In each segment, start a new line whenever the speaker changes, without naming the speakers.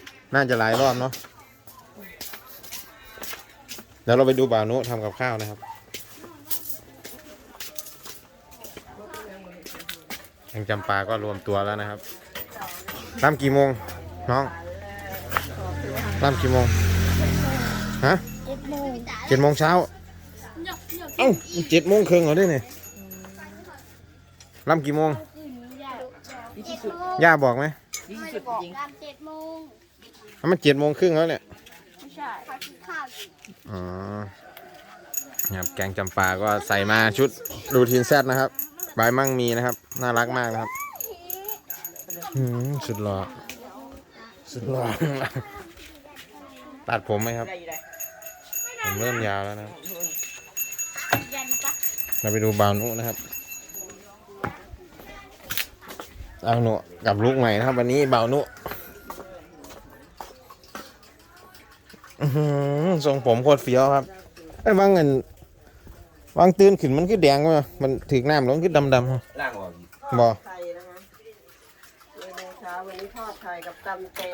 น่าจะหลายรอบเนาะเดี๋ยวเราไปดูบ่าวนุทำกับข้าวนะครับแกงจำปาก็รวมตัวแล้วนะครับรำกี่โมงน้องรำกี่โมงฮะ7 โมงเช้าเอ้า7 โมงครึ่งเหรอเนี่ยรำกี่โมงย่าบอกไหม
ไม่บอกตาม7 โมง
มัน7 โมงครึ่งแล้วเนี่ย
ไม่ใช่เขากินข้าวอยู่
อ๋อครับแกงจำปาก็ใส่มาชุดรูทีนแซดนะครับใบมั่งมีนะครับน่ารักมากนะครับสุดหล่อสุดหล่อตัดผมไหมครับผมเริ่มยาวแล้วนะครับเราไปดูบ่าวนุนะครับบ่าวนุกับลูกใหม่นะครับวันนี้บ่าวนุทรงผมโคตรเฟี้ยวครับไอ้วางเงินวางตื่นขึ้นมันคือแดงมั้ยมันถึกน้ำแล้วมันคือดำ
ล่างออก
บ่
ไข่นะคะในเช้าวันนี้ทอดไข่กับตำแต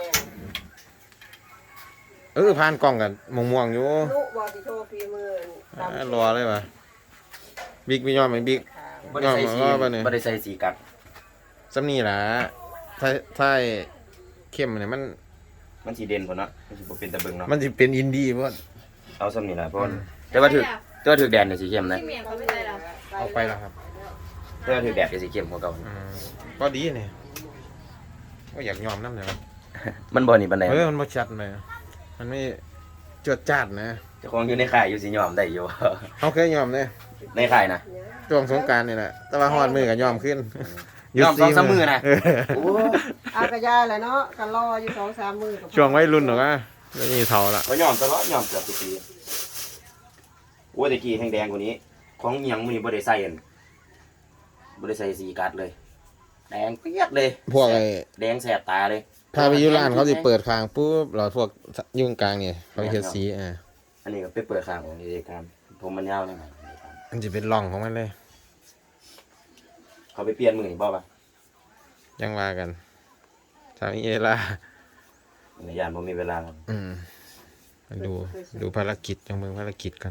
ง
ผ่านกล้องกันม่วงๆอยู่
ลูกบอดิโทฟีมือ
รอเลยว่ะบิ๊กไม่ยอมไหมบิ๊กยอม
บ่ได้ใส่สีกัด
ซ้ำนี่ล่ะถ้าเข้มเนี่ย
มันสีเด่นกว่าเนาะมันสิบ่เป็นตะเบิงเนาะ
มันจะเป็นอินดี้เพราะ
เอาซ้ำนี่ล่ะเพราะแต่ว่าถือแดดเนี่ยสีเข้มนะ
เอาไปแล้วครับ
แต่ว่าถือแดดเนี่ยสีเข้มกว่าเก่า
ก็ดีเนี่ยก็อยากยอมน้ำเนี่ย
มันบ่นี่ปานใด
มันบ่ชัดเลยมันไม่จวดจ้าดนะ
เจ้าของอยู่ในค่ายอยู่สิยอมได้อยู่
เขาเคยยอมเนี่ย
ในค่ายนะ
ช่วงสงกรานต์นี่แหละแต่ว่าฮอดมือก็ยอมขึ้น
ยอม2-3 มื้อนะ
โอ้อากระยาแหละเนาะกันรออยู่2-3 มื้อ
ช่วงวัยรุ่นหรอกนะแล้วนี่เท่าละ
ก็ยอมตลอดยอมเกือบทุกปีโอ้ยตะกี้แห้งแดงกว่านี้ของเหียงมื้อนี้บ่ได้ใส่สีกัดเลยแดงเปียกเลย
พวกไอ้
แดงแสบตาเลย
ถ้าไปยุร้านเขาสิเปิดคางปุ๊บเราพวกยุ่งกลางเนี่ยเขาเฮ็ดสี
อันนี้ก็ไปเปิดคางของเด็กการผมมันยาวเลย
มันจะเป็นร่องของมันเลย
เขาไปเปลี่ยนมือนี่บ่ป่ะ
ยังว่ากันทำเอล่า
ในยานผมมีเวลาแล้ว
ดูภารกิจจังเมืองภารกิจกัน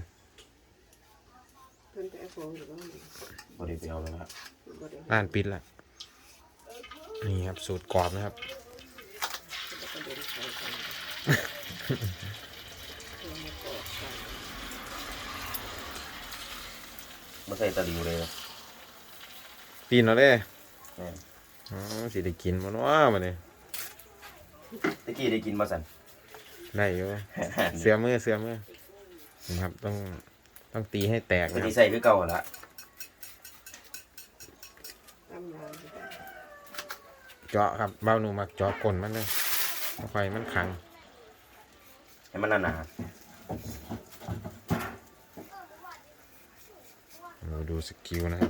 บริเวณแล้วครับ
ร้านปิดละนี่ครับสูตรกรอบนะครับ
ไม่ใส่ตะลิวเลย
ปีนเอาเลยสิได้กินมันว่ามันนี่
ตะกี้ได้กินมาสั่น
ได้อยู่เสือมือนะครับต้องตีให้แตกนะ
ใส่คือเก่าละ
เจาะครับเบ้าหนูมักเจาะก้นมันเลยไฟมันขัง
ให้มันหนา
ดูสกิลนะครับ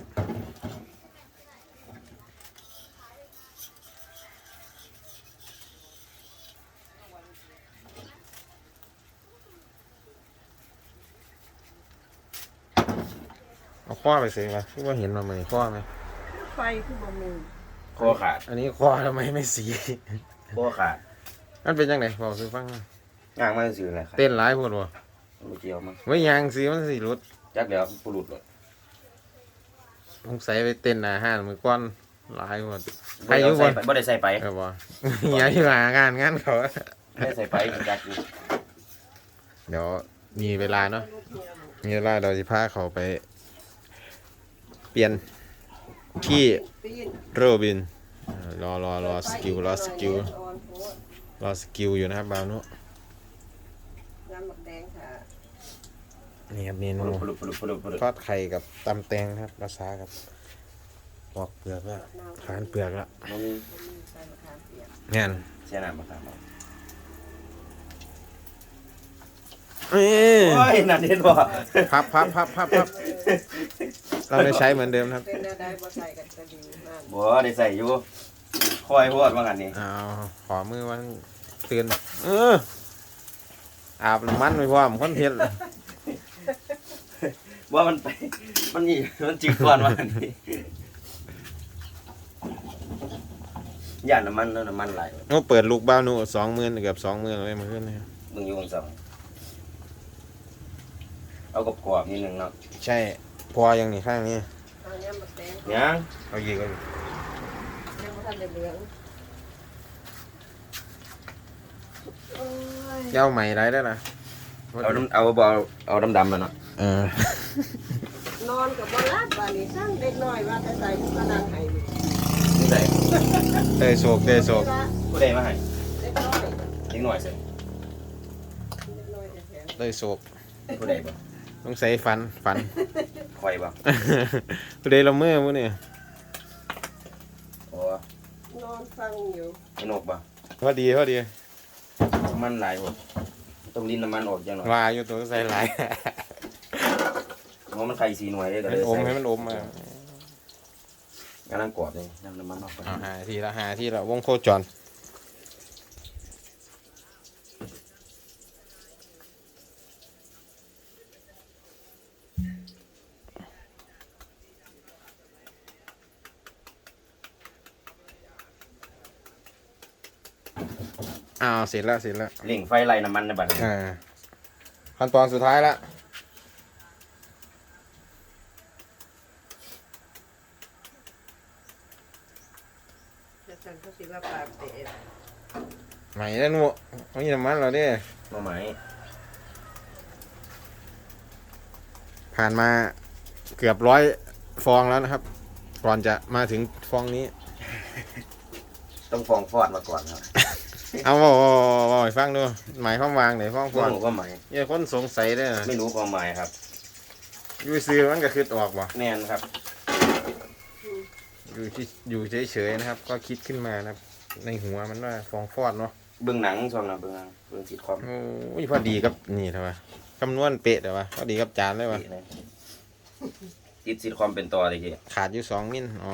เอาข้อไปเสียงเลยคิดว่าเห็นมาเหมือนข้อไหม
ไฟคือบะหมี่
คอขาด
อันนี้ข้อทำไมไม่สี
คอขาด
มันเป็นยังไงบอกซื้อฟัง
ยางมันสื่ออะไรครับ
เต้นร้ายพูดว่า
ไม่เกี่ยวมั้ง
ไม่ยางสีมันสีรุด
จักเดี๋ยวปุรุษเลย
สงสัยไปเต้นอาหารมือก้อนร้ายหมด
ไปอยู่บนบ่ได้ใส่ไป
บ่อย่าอยู่หางานเขา
ไม่ใส่ไปจักอยู่
เดี๋ยวมีเวลาเนาะมีเวลาเราจะพาเขาไปเปลี่ยนที่โรบินรอสกิลอยู่นะครับบ่าวนุนี่ครับเมนูทอดไข่กับตำแตงครับภาษากับปอกเปลือกแล้วทานเปลือกแล้วงั้น
เสียน้ำมาครับ
โอ้
ยนั่นเห็นบ่
พับเราได้ใช้เหมือนเดิมครับ
บ่ได้ใส่อยู่คอยพวดว่างั้นนี่
ขอมือวันตื่นอาบน้ำมันไปพร้อมคนเฮ็ด
ว่ามันไปมันนี่มันจิกก่อนว่านี่ย่านน้ำมันน้ำมันไหลาย
โอ้เปิดลูกบ้าวหนู20,000เกือบ20,000เลยมาขึ้นเลย
มึงอยู่คนสองเอากรอบๆนิดนึงเนาะ
ใช่พอยังนี่ข้างนี้
เอาเนี้ยมาแตง
ยัง
เอาอีกเอา
ยังไม่ทันได้เหลืองโอ้ย
เย้าใหม่ได้แล้วนะ
เอาดำๆมาเนาะ
เออน
อนกับบอลลัดบานี้สร้างเด็กน้อยว่าแต่ใส่ผู้กระดังไห้นี่
นี่ใส่
เตยโศก
ว่า
ผู้ใดมาให้
เด็กน้อย
นิดหน่อยสิ
เด็กน้อยแท้
เตยโศก
ผู้ใดบ่
ต้องใส่ฟัน
คอยบ่
ผู้ใดละเมื่อมื้อนี่
โอ้
ๆนอนฟังอยู่
ไอ้นกบ่
พอดี
น้ำมันหลายหมดต้องลิ้นน้ำมันออกจังหน่อย
ว่าอยู่ตัวใส่หลาย
เพราะมันไข่สีหน่วยได้ก็
ให้
เลย
มันอม
ใส่
ให้มันอมอ่ะ
กำลังกรอบเลยน้ำมันออกไป
เอาหาทีละวงโคจรอ้าวเสร็จแล้ว
เร่งไฟไล่น้ำมันในบัดนี้
ขั้นตอนสุดท้ายละ
แต่ฉันก็สิว่าปากเตะ
ใหม่แล้วหนูไม่มีน้ำมันแล้วเนี่ย
มาไหม
ผ่านมาเกือบ100 ฟองแล้วนะครับ ก่อนจะมาถึงฟองนี้
ต้องฟองฟอดมาก่อนครับ
เอาบอกให้ฟังดูหมายความวางไหนฟองฟ
ต้
อ
อน งรู้ความหมาย
อย่าคนสงสัยเด้อ
ไม่รู้ความหมายครับ
อยู่ซื้อมันก็คิดออกบ่
แน่นครับ
อยู่เฉยๆนะครับ ก็คิดขึ้นมานะครับ ในหัวมันว่าฟองฟอดเนาะ
เบื้องหนังช่วงนั้นเบื้องหนังเบื้องซิทคอม
โอ้ยพอดีกับนี่เถอะวะคำนวณเป๊ะเถอะวะพอดีกับจานเลยวะ
ติดซิทคอมเป็นตัวเลยที
ขาดอยู่2 มิลอ๋อ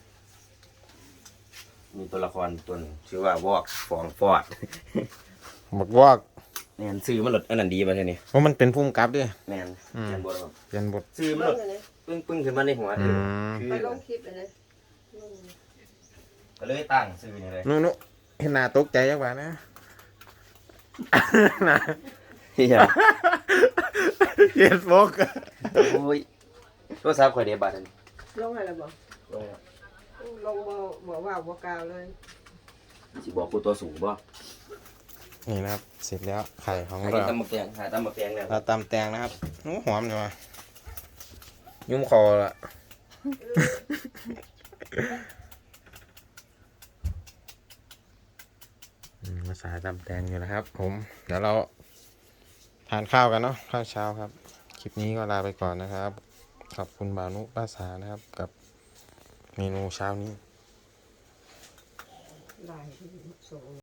มีตัวละครตัวหนึงชื่อว่าวอกฟองฟอด
บอกว่า
แน่นซื้อมันหลดอันนั้นดีป่ะเท่านี้
เพราะมันเป็นภูมิกับด้วย
แน่น
อืม
แน่นบดครับ
เรียนบท
ซื้อมันหลดปึ้งขึ้นมาในหัว
อืม
คือ
ไปลงคลิปเลยนะ
ก็เลยตั้งซื้อนี่เลย
นุเห็นหน้าตกใจจังหวะนะ นะ
เฮีย
เห็นบก
โอ้ยโทรศัพท์ข่อยเดียบัตรอันนี้
ลงให้แล้วบอก
ลงแล้ว
ลงบอกว่าบอกกล่าวเลย
สิบอกกูตัวสูงบ่
นี่นะครับ เสร็จแล้วไข่ของ
หา
เรา
ตำมะแกงหาตำมะแกงเนี่ย
เราตำแตงนะครับโอ้หอมเลยวะยุ่มคอละมาสายตำแตงอยู่นะครับ ผม เดี๋ยวเราทานข้าวกันเนาะข้าวเช้าครับ คลิปนี้ก็ลาไปก่อนนะครับ ขอบคุณบ่าวนุป้าสานะครับ กับเมนูเช้านี้
ลายส่ง